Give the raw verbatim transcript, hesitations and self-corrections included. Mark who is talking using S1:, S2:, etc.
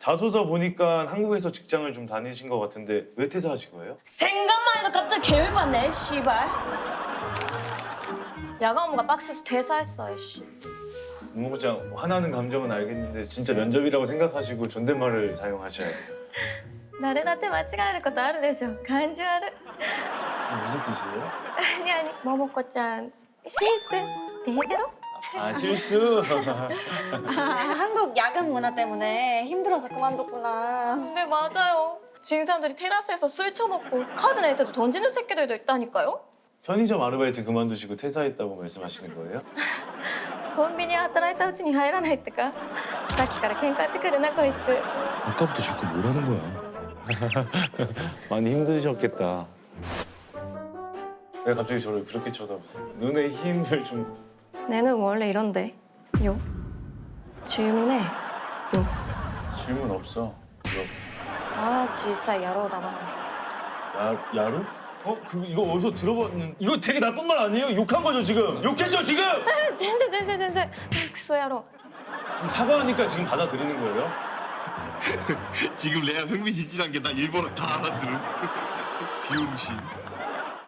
S1: 자소서 보니까 한국에서 직장을 좀 다니신 것 같은데 왜 퇴사하신 거예요?
S2: 생각만 해도 갑자기 개열받네, 씨발. 야간 업무가 빡세서 퇴사했어, 씨.
S1: 무모장 화나는 감정은 알겠는데 진짜 면접이라고 생각하시고 존댓말을 사용하셔야 돼요.
S2: 誰だって間違えることあるでしょ。感じ悪い。
S1: 무슨 뜻이에요?
S2: 아니 아니, 모모코ちゃん 실수 대대로?
S1: 아 실수?
S3: 아, 한국 야근 문화 때문에 힘들어서 그만뒀구나.
S2: 네 맞아요. 진 사람들이 테라스에서 술 처먹고 카드 낼 때도 던지는 새끼들도 있다니까요.
S1: 편의점 아르바이트 그만두시고 퇴사했다고 말씀하시는 거예요?
S2: コンビニ働いたうちに入らないってか。さっきから喧嘩ってくるなこいつ。
S4: 아까부터 자꾸 뭐라는 거야.
S1: 많이 힘드셨겠다. 왜 갑자기 저를 그렇게 쳐다보세요? 눈에 힘을 좀...
S2: 내는 원래 이런데. 요. 질문해. 요.
S1: 질문 없어. 이거
S2: 아, 小さい野郎だな.
S1: 야, 야루? 어? 그 이거 어디서 들어봤는... 이거 되게 나쁜 말 아니에요? 욕한 거죠 지금? 욕했죠 지금?
S2: 에, 全然全然全然.クソ野郎.
S1: 지금 사과하니까 지금 받아들이는 거예요?
S4: 지금 내가 흥미진진한 게 나 일본어 다 알아들음. 비용신.